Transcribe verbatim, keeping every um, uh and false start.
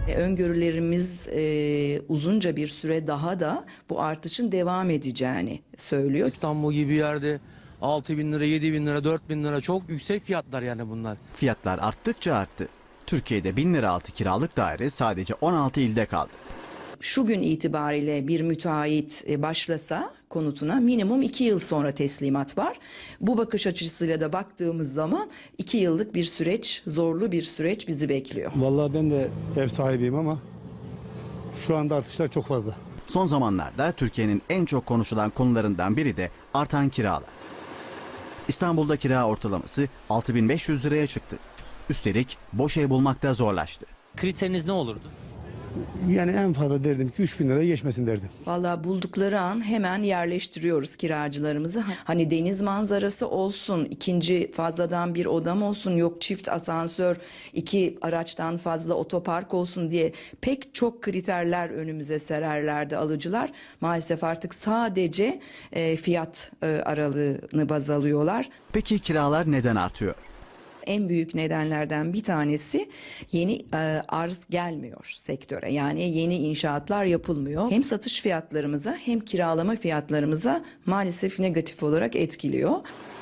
E, Öngörülerimiz e, uzunca bir süre daha da bu artışın devam edeceğini söylüyor. İstanbul gibi yerde altı bin lira, yedi bin lira, dört bin lira çok yüksek fiyatlar yani bunlar. Fiyatlar arttıkça arttı. Türkiye'de bin lira altı kiralık daire sadece on altı ilde kaldı. Şu gün itibariyle bir müteahhit e, başlasa konutuna minimum iki yıl sonra teslimat var. Bu bakış açısıyla da baktığımız zaman iki yıllık bir süreç, zorlu bir süreç bizi bekliyor. Vallahi ben de ev sahibiyim ama şu anda artışlar çok fazla. Son zamanlarda Türkiye'nin en çok konuşulan konularından biri de artan kiralar. İstanbul'da kira ortalaması altı bin beş yüz liraya çıktı. Üstelik boş ev bulmakta zorlaştı. Kriteriniz ne olurdu? Yani en fazla derdim ki üç bin liraya geçmesin derdim. Vallahi buldukları an hemen yerleştiriyoruz kiracılarımızı. Hani deniz manzarası olsun, ikinci fazladan bir odam olsun, yok çift asansör, iki araçtan fazla otopark olsun diye pek çok kriterler önümüze sererlerdi alıcılar. Maalesef artık sadece e, fiyat e, aralığını baz alıyorlar. Peki kiralar neden artıyor? En büyük nedenlerden bir tanesi yeni e, arz gelmiyor sektöre. Yani yeni inşaatlar yapılmıyor. Hem satış fiyatlarımıza hem kiralama fiyatlarımıza maalesef negatif olarak etkiliyor.